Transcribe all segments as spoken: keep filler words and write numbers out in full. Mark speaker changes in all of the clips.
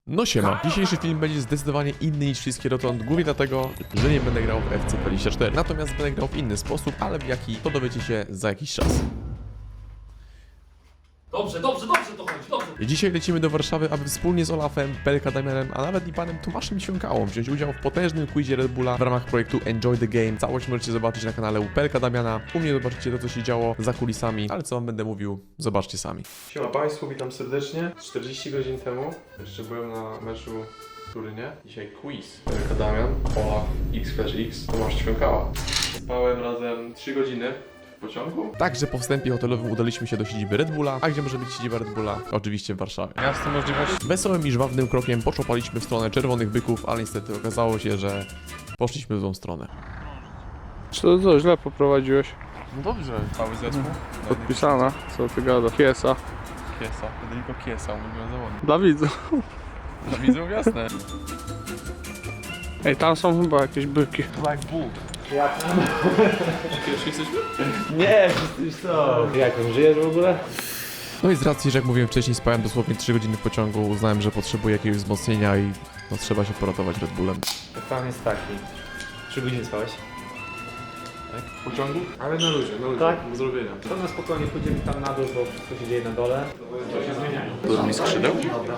Speaker 1: No siema, dzisiejszy film będzie zdecydowanie inny niż wszystkie dotąd, głównie dlatego, że nie będę grał w F C dwadzieścia cztery, natomiast będę grał w inny sposób, ale w jaki to dowiecie się za jakiś czas.
Speaker 2: Dobrze, dobrze, dobrze to chodzi, dobrze.
Speaker 1: I dzisiaj lecimy do Warszawy, aby wspólnie z Olafem, Pelka Damianem, a nawet i panem Tomaszem Świąkałą wziąć udział w potężnym quizie Red Bulla w ramach projektu Enjoy the Game. Całość możecie zobaczyć na kanale u Pelka Damiana. U mnie zobaczycie to, co się działo za kulisami, ale co wam będę mówił, zobaczcie sami. Siema Państwu, witam serdecznie. czterdzieści godzin temu jeszcze byłem na meczu w Turynie. Dzisiaj quiz. Pelka Damian, Olaf, X X, Tomasz Świąkała. Spałem razem trzy godziny. W pociągu? Także po wstępie hotelowym udaliśmy się do siedziby Red Bulla. A gdzie może być siedziba Red Bulla? Oczywiście w Warszawie.
Speaker 3: Miasto możliwości.
Speaker 1: Wesołym i żwawnym krokiem poczopaliśmy w stronę Czerwonych Byków, ale niestety okazało się, że poszliśmy w złą stronę.
Speaker 3: Czy to co, źle poprowadziłeś?
Speaker 4: No dobrze, cały zespół.
Speaker 3: Podpisana, co ty gada? Kiesa.
Speaker 4: Kiesa, Federico Kiesa, ulubiony zawodnik.
Speaker 3: Dla widzów.
Speaker 4: Dla widzów jasne.
Speaker 3: Ej, tam są chyba jakieś byki.
Speaker 4: Black Bull. Pierwszy jesteśmy?
Speaker 5: Nie, już co? Jak on, żyjesz w ogóle?
Speaker 1: No i z racji, że jak mówiłem wcześniej, spałem dosłownie trzy godziny w pociągu, uznałem, że potrzebuję jakiegoś wzmocnienia i no, trzeba się poratować Red Bullem.
Speaker 5: Plan jest taki. Trzy godziny spałeś?
Speaker 4: W pociągu? Ale na luzie, na luzie.
Speaker 5: Tak?
Speaker 4: Do zrobienia.
Speaker 5: To na spokojnie pójdziemy tam na dół, bo wszystko się dzieje na dole. To się zmieniają.
Speaker 4: Dużo mi skrzydeł?
Speaker 5: Dobra.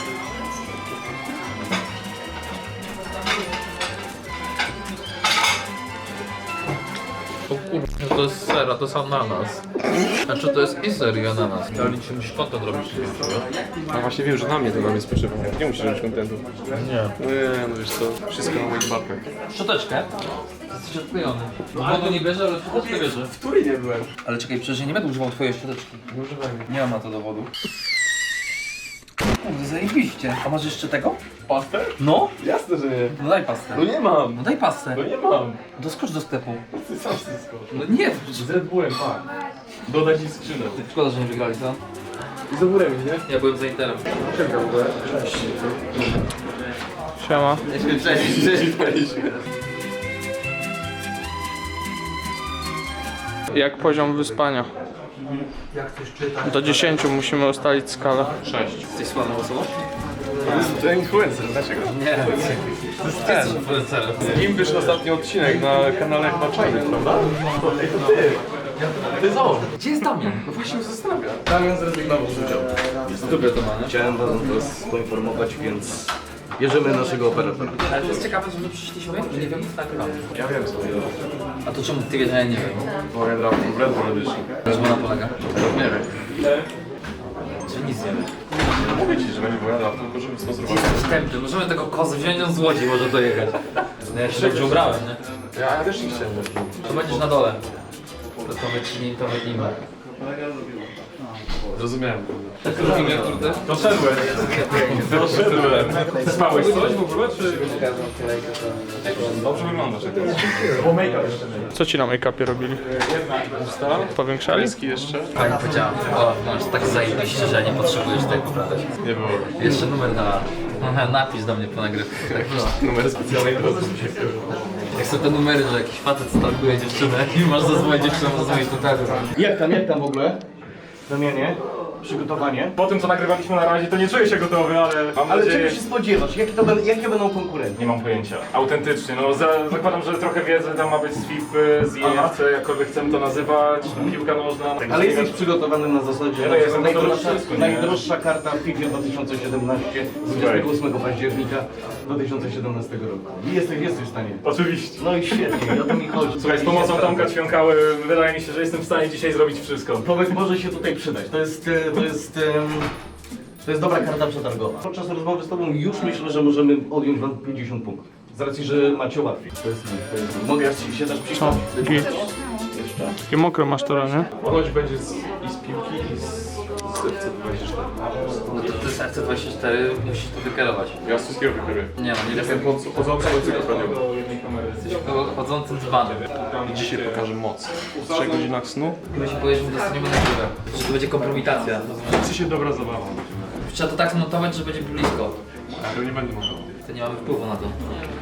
Speaker 2: O kurwa, to jest ser, a to jest ananas. Znaczy to jest i ser i ananas. Ale liczy musisz kontent robić.
Speaker 4: A właśnie wiem, że na mnie to na mnie spoczywa. Nie musisz robić kontentu.
Speaker 2: Nie.
Speaker 4: Nie, no wiesz co, wszystko na moich barkach.
Speaker 2: Szczoteczkę? Jesteś odklejony. Wodu nie bierze, ale szczoteczkę bierze.
Speaker 4: W Turynie byłem.
Speaker 2: Ale czekaj, przecież ja nie będę używał twojej szczoteczki.
Speaker 4: Nie używajmy.
Speaker 2: Nie mam na to dowodu. Kurde, zajebiście. A masz jeszcze tego?
Speaker 4: Pastę?
Speaker 2: No?
Speaker 4: Jasne, że nie.
Speaker 2: No daj pastę.
Speaker 4: No nie mam.
Speaker 2: No daj pastę.
Speaker 4: No nie mam.
Speaker 2: To skocz do sklepu.
Speaker 4: Ty sam wszystko.
Speaker 2: No nie,
Speaker 4: Z Red Bullem, tak. Dodać mi skrzynę.
Speaker 2: szkoda, że nie wygrali, co?
Speaker 4: I z ogórem, nie?
Speaker 2: Ja byłem za Interem.
Speaker 4: Czekam w ogóle. Cześć.
Speaker 3: Siema.
Speaker 2: Cześć.
Speaker 3: Jak poziom wyspania?
Speaker 2: Jak coś czytać?
Speaker 3: Do dziesięciu musimy ustalić skalę.
Speaker 4: Sześć.
Speaker 2: Jesteś sławną osobą?
Speaker 4: To influencer, dlaczego?
Speaker 2: Nie. To jest ten. Jesteś influencerem.
Speaker 4: Z nim wyszedł ostatni odcinek na kanale chyba Czajny, prawda? Ej, to ty! To jest on!
Speaker 2: Gdzie jest Damian?
Speaker 4: No właśnie się zastanawiam. Damian zrezygnował z udziału.
Speaker 2: Dobre to ma, nie?
Speaker 6: Chciałem was poinformować, więc bierzemy naszego operatora.
Speaker 2: Ale to jest ciekawe, że przyszliśmy, że nie wiem, tak nagrywamy.
Speaker 4: Ja wiem co to jest.
Speaker 2: A to czemu ty wiesz, że ja nie wiem?
Speaker 4: Bo ja grałem w Red Bull Edition.
Speaker 2: Czemu ona polega?
Speaker 4: Nie wiem.
Speaker 2: Że nic nie wiem.
Speaker 4: Mówię ci, że będzie wojadę, tylko żeby sponsorować.
Speaker 2: Wstępny, możemy tego kozę wziąć, on z Łodzi może dojechać. No ja się dobrze ubrałem, nie?
Speaker 4: Ja, ja też nie chciałem.
Speaker 2: To będziesz na dole. To to wytnij, to wytnijmy.
Speaker 4: Zrozumiałem.
Speaker 2: Tak robimy, kurde?
Speaker 4: Doszedłem. Doszedłem. Spałeś coś w ogóle, czy... Dobrze wyglądasz jak teraz. Bo make-up jeszcze nie.
Speaker 3: Co ci na make-upie robili?
Speaker 4: Usta.
Speaker 3: Powiększali?
Speaker 4: Kreski jeszcze.
Speaker 2: Pani powiedziała, o, masz tak zajebiście, że nie potrzebujesz tego poprawiać.
Speaker 4: Nie było.
Speaker 2: Jeszcze numer na... Napisz do mnie po nagrywce. Tak,
Speaker 4: Numery specjalnej drodzy.
Speaker 2: jak są te numery, że jakiś facet stalkuje dziewczynę i masz zadzwonić dziewczynę, zadzwonić do tego.
Speaker 6: Jak tam, jak tam w ogóle? Damianie? Przygotowanie?
Speaker 7: Po tym co nagrywaliśmy na razie to nie czuję się gotowy, ale mam
Speaker 6: Ale
Speaker 7: nadzieję...
Speaker 6: czego się spodziewasz? Jakie, to będą, jakie będą konkurencje?
Speaker 7: Nie mam pojęcia. Autentycznie, no za, zakładam, że trochę wiedzy tam ma być z FIFA, z I F C, jakkolwiek chcemy to nazywać, piłka nożna.
Speaker 6: Ale jesteś przygotowany na zasadzie,
Speaker 7: Ja no jestem gotowy na
Speaker 6: najdroższa,
Speaker 7: wszystko, nie?
Speaker 6: najdroższa karta w FIFA dwa tysiące siedemnaście z dwudziestego ósmego października dwa tysiące siedemnastego roku. I jesteś, jesteś w stanie.
Speaker 7: Oczywiście.
Speaker 6: No i świetnie, i o to mi chodzi.
Speaker 7: Słuchaj, z pomocą Tomka Ćwiąkały wydaje mi się, że jestem w stanie dzisiaj zrobić wszystko.
Speaker 6: Tomek może się tutaj przydać. To jest, e, to jest, em, to jest dobra karta przetargowa. Podczas rozmowy z Tobą już myślę, że możemy odjąć Wam pięćdziesiąt punktów. Z racji, że macie łatwiej. To jest, to jest, mogę ja ci się też
Speaker 3: Co?
Speaker 6: przyjść?
Speaker 3: Git.
Speaker 6: Jeszcze.
Speaker 3: Takie mokre masz to, nie?
Speaker 4: Ponoć będzie z, i z piłki, i z, z F C dwadzieścia cztery.
Speaker 2: No to ty z F C dwadzieścia cztery musisz to wykierować.
Speaker 4: Ja z wszystkiego wykryję.
Speaker 2: Nie no, nie
Speaker 4: Jestem
Speaker 2: wiem.
Speaker 4: chodzącym encyklopedią.
Speaker 2: Jesteś chodzącym dzbanem.
Speaker 4: I dzisiaj pokażę moc. W trzech godzinach snu.
Speaker 2: Chyba się powiesz, że dostaniemy na górę. Że to będzie kompromitacja.
Speaker 4: Chce się dobra zabawa.
Speaker 2: Trzeba to tak zmontować, że będzie blisko.
Speaker 4: To nie będę mówił.
Speaker 2: To nie mamy wpływu na to.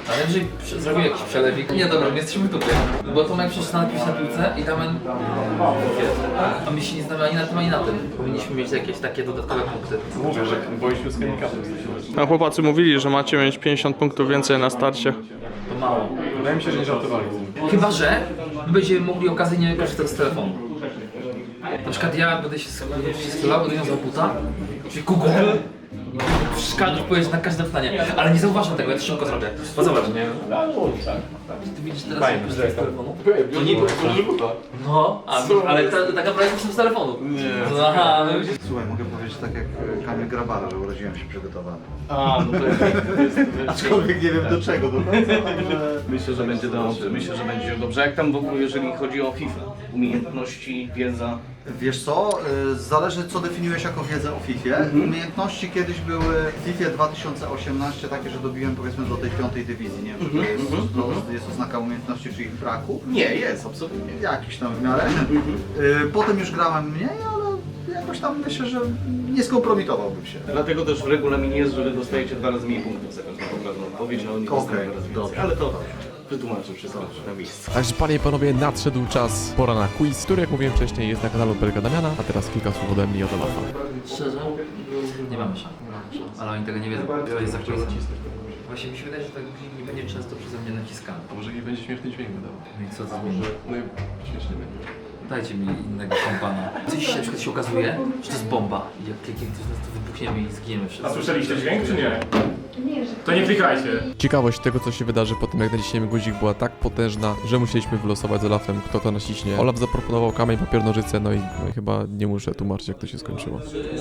Speaker 2: Ale jeżeli przy- zrobił jakiś przelewik... Nie, dobra, my jesteśmy w dupie. Bo Tomek przecież napisał na piłce i Damian... A my się nie znamy ani na tym, ani na tym. Powinniśmy mieć jakieś takie dodatkowe punkty.
Speaker 4: Mówię, że boiśmy z handicapem.
Speaker 3: No chłopacy mówili, że macie mieć pięćdziesiąt punktów więcej na starcie.
Speaker 2: To mało.
Speaker 4: Wydaje mi się, że nie żartowali.
Speaker 2: Chyba, że my będziemy mogli okazyjnie korzystać z telefonu. Na przykład ja będę się strzelał, będę wiązał buta, czyli Google i wszystko odpowiedzieć na każde pytanie, ale nie zauważam tego, ja to szybko zrobię. Bo zobacz, nie? Ty widzisz teraz jak korzystam z telefonu?
Speaker 4: To nie buta.
Speaker 2: No, a, ale ta, taka prawie jest z telefonu. Nie. Aha, no widzisz.
Speaker 8: Słuchaj, mogę powiedzieć tak jak e, Kamil Grabara, że urodziłem się przygotowany.
Speaker 6: A, no to jest...
Speaker 8: Aczkolwiek nie wiem do czego do końca, także...
Speaker 6: Myślę, że będzie dobrze, myślę, że będzie dobrze. Jak tam w ogóle, jeżeli chodzi o FIFA? Umiejętności, wiedza?
Speaker 8: Wiesz co, y, zależy co definiujesz jako wiedzę o FIFA. Umiejętności kiedyś były w FIFA dwa tysiące osiemnaście takie, że dobiłem powiedzmy do tej piątej dywizji. Nie wiem, czy to jest, to jest oznaka umiejętności czy ich braku.
Speaker 6: Nie, jest, absolutnie.
Speaker 8: Jakiś tam w miarę. Y, Potem już grałem mniej, ale jakoś tam myślę, że nie skompromitowałbym się.
Speaker 6: Dlatego też w regulaminie jest, że wy dostajecie dwa razy mniej punktów za każdą poprawną odpowiedź, a oni dostają
Speaker 8: Okej,
Speaker 6: dwa razy
Speaker 8: dobrze.
Speaker 6: więcej. Ale to wytłumaczę wszystko na miejscu.
Speaker 1: Także panie i panowie, nadszedł czas, pora na quiz, który jak mówiłem wcześniej jest na kanale Pelka Damiana, a teraz kilka słów ode mnie i od Olafa.
Speaker 2: Szczerze? Nie mamy szans. Ale oni tego nie wiedzą. To jest za quiz. Właśnie mi się wydaje, że tak nie będzie często przeze mnie naciskany.
Speaker 4: A może nie będzie śmieszny dźwięk wydawał.
Speaker 2: No i co to
Speaker 4: Może, no i śmiesznie będzie.
Speaker 2: Dajcie mi innego kompana. Coś się na przykład się okazuje, że to jest bomba. I jak klikniemy, to wybuchniemy i zginiemy wszyscy.
Speaker 7: A słyszeliście dźwięk, czy nie? To nie klikajcie.
Speaker 1: Ciekawość tego, co się wydarzy po tym, jak naciśniemy guzik, była tak potężna, że musieliśmy wylosować z Olafem, kto to naciśnie. Olaf zaproponował kamień, papier, nożyce, no i, no i chyba nie muszę tłumaczyć, jak to się skończyło.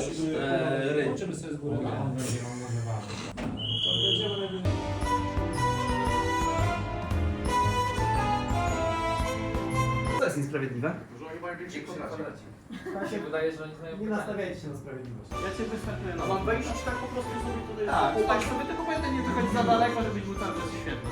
Speaker 5: To jest niesprawiedliwe.
Speaker 2: Mi się wydaje, że oni znają
Speaker 5: Nie nastawiajcie się na sprawiedliwość.
Speaker 6: Ja cię wystartuję. A mam wejść tak po prostu sobie tutaj?
Speaker 5: Tak,
Speaker 6: tak sobie, tylko pamiętaj nie wychodź za daleko, żebyś był cały czas świetny.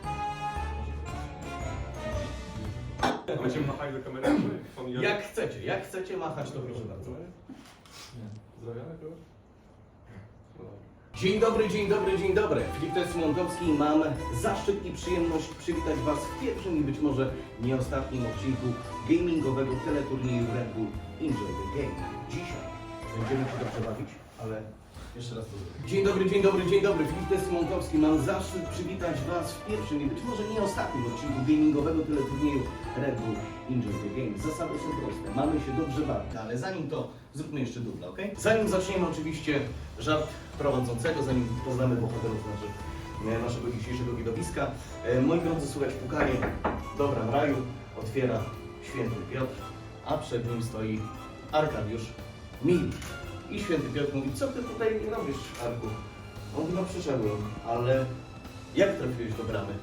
Speaker 4: Będziemy machali do kamery?
Speaker 6: Jak chcecie, jak chcecie machać, to proszę bardzo.
Speaker 4: Zdrawiamy kogoś?
Speaker 6: Dzień dobry, dzień dobry, dzień dobry. Filip Tesmontowski. Mam zaszczyt i przyjemność przywitać Was w pierwszym i być może nie ostatnim odcinku gamingowego teleturnieju Red Bull Enjoy the Game. Dzisiaj będziemy się dobrze bawić, ale jeszcze raz to zrobię. Dzień dobry, dzień dobry, dzień dobry. Filip Tesmontowski. Mam zaszczyt przywitać Was w pierwszym i być może nie ostatnim odcinku gamingowego teleturnieju Red Bull Enjoy the Game. Zasady są proste. Mamy się dobrze bawić, ale zanim to zróbmy jeszcze dubla, ok? Zanim zaczniemy oczywiście żart prowadzącego, zanim poznamy bohaterów naszych, e, naszego dzisiejszego widowiska. E, moi drodzy, słychać pukanie. Dobra, w raju otwiera święty Piotr, a przed nim stoi Arkadiusz Mil. I święty Piotr mówi, co ty tutaj robisz, Arku? On mówi, no przyszedłem, ale jak trafiłeś do bramy?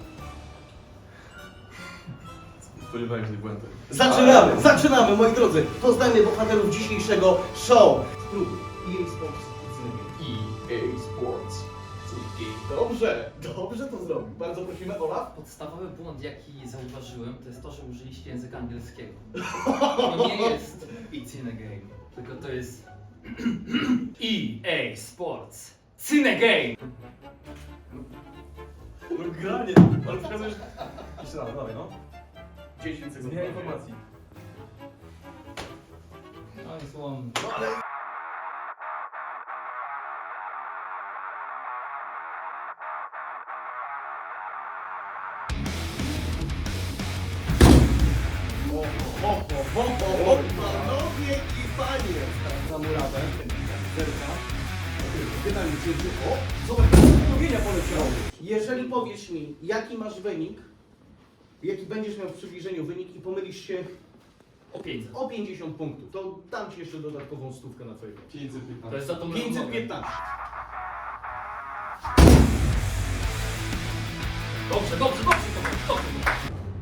Speaker 4: Spodziewałem się tej błędy.
Speaker 6: Zaczynamy, zaczynamy, moi drodzy. Poznajmy bohaterów dzisiejszego show. Spróbuj. E A Sports. E A Sports. Dobrze, dobrze to zrobił. Bardzo prosimy, Olaf.
Speaker 2: Podstawowy błąd, jaki zauważyłem, to jest to, że użyliście języka angielskiego. To nie jest It's in a game, tylko to jest E A Sports. Cine Game!
Speaker 4: No granie, ale przekazujesz... Jeszcze raz, dalej no.
Speaker 6: dziesięć sekund.
Speaker 4: Zmiana informacji.
Speaker 2: No i złom.
Speaker 6: Ho, ho, ho, ho, panowie i panie! Za murawę. Zerka. Pytanie, czy... O, zobacz, postanowienia poleciały. Jeżeli powiesz mi, jaki masz wynik, jaki będziesz miał w przybliżeniu wynik i pomylisz się
Speaker 2: O pięćset.
Speaker 6: o pięćdziesiąt punktów, to dam Ci jeszcze dodatkową stówkę na Twoje konto.
Speaker 4: pięćset piętnaście.
Speaker 2: To jest za tą
Speaker 6: pięćset piętnaście.
Speaker 2: Dobrze, dobrze, dobrze, dobrze, dobrze.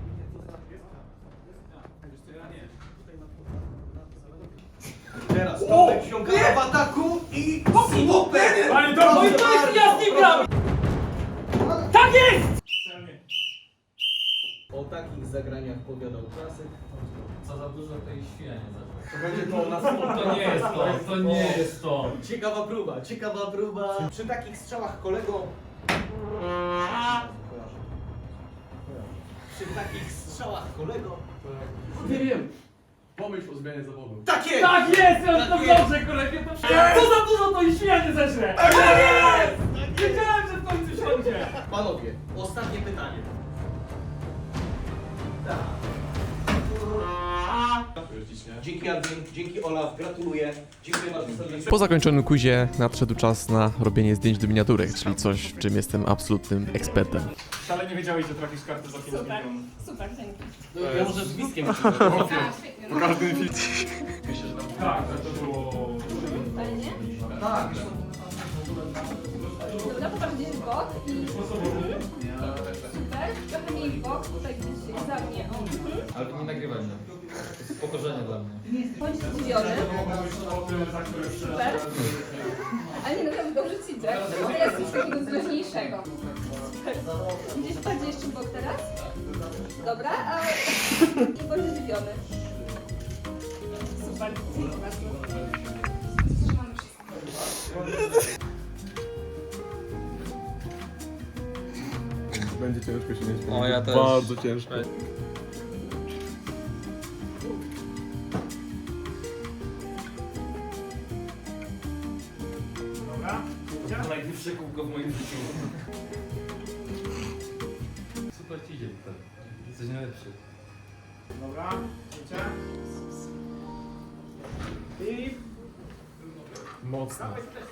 Speaker 6: Teraz Tomek wsiąka w ataku i super!
Speaker 7: Ale to
Speaker 2: No i to jest ja z nim gram! Tak jest!
Speaker 6: O takich zagraniach powiadał klasyk.
Speaker 2: Co za dużo tej świnia zaczął.
Speaker 6: To będzie to na
Speaker 2: To nie jest to, to nie jest to.
Speaker 6: Ciekawa próba, ciekawa próba. Przy takich strzałach kolego... Przy takich strzałach, kolego.
Speaker 1: Nie wiem. Pomyśl o zmianie zawodu.
Speaker 6: Tak jest!
Speaker 2: Tak jest! Ja to dobrze, kolego! Co za dużo to i śmianie zeżre! Tak jest! Wiedziałem, że w końcu siądzie!
Speaker 6: Panowie, ostatnie pytanie. Tak. Dzięki Adrian, dzięki Olaf, gratuluję. Dziękuję bardzo serdecznie.
Speaker 1: Po zakończonym quizie nadszedł czas na robienie zdjęć do miniaturek, czyli coś, w czym jestem absolutnym ekspertem.
Speaker 7: Wcale nie wiedziałeś, że trafisz kartę za pięć milionów.
Speaker 9: Super, dzięki.
Speaker 6: Ja może z bliskiem.
Speaker 9: A, świetnie.
Speaker 7: Po każdym filmie. Tak, to było...
Speaker 9: Fajnie.
Speaker 8: Tak.
Speaker 9: Dobra, popatrz gdzieś w bok i... Mhm. Super. Trochę mniej w bok, tutaj gdzieś za mnie. O. Mhm.
Speaker 2: Ale nie nagrywaj mnie. To jest upokorzenie dla mnie.
Speaker 9: Bądź zdziwiony. Super. Ale nie, naprawdę dobrze ci idzie. A teraz coś takiego groźniejszego. Super. Gdzieś bardziej jeszcze w bok teraz. Dobra, a... I bądź zdziwiony. Super. Dziękuję bardzo. Trzymamy wszystko.
Speaker 1: Będzie ciężko się nie śmiać.
Speaker 3: O, ja też.
Speaker 1: Bardzo ciężko.
Speaker 2: To najwyższe kółko w moim życiu. Super ci idzie tutaj. Jesteś najlepszy.
Speaker 5: Dobra, wiecie? I...
Speaker 1: Mocno.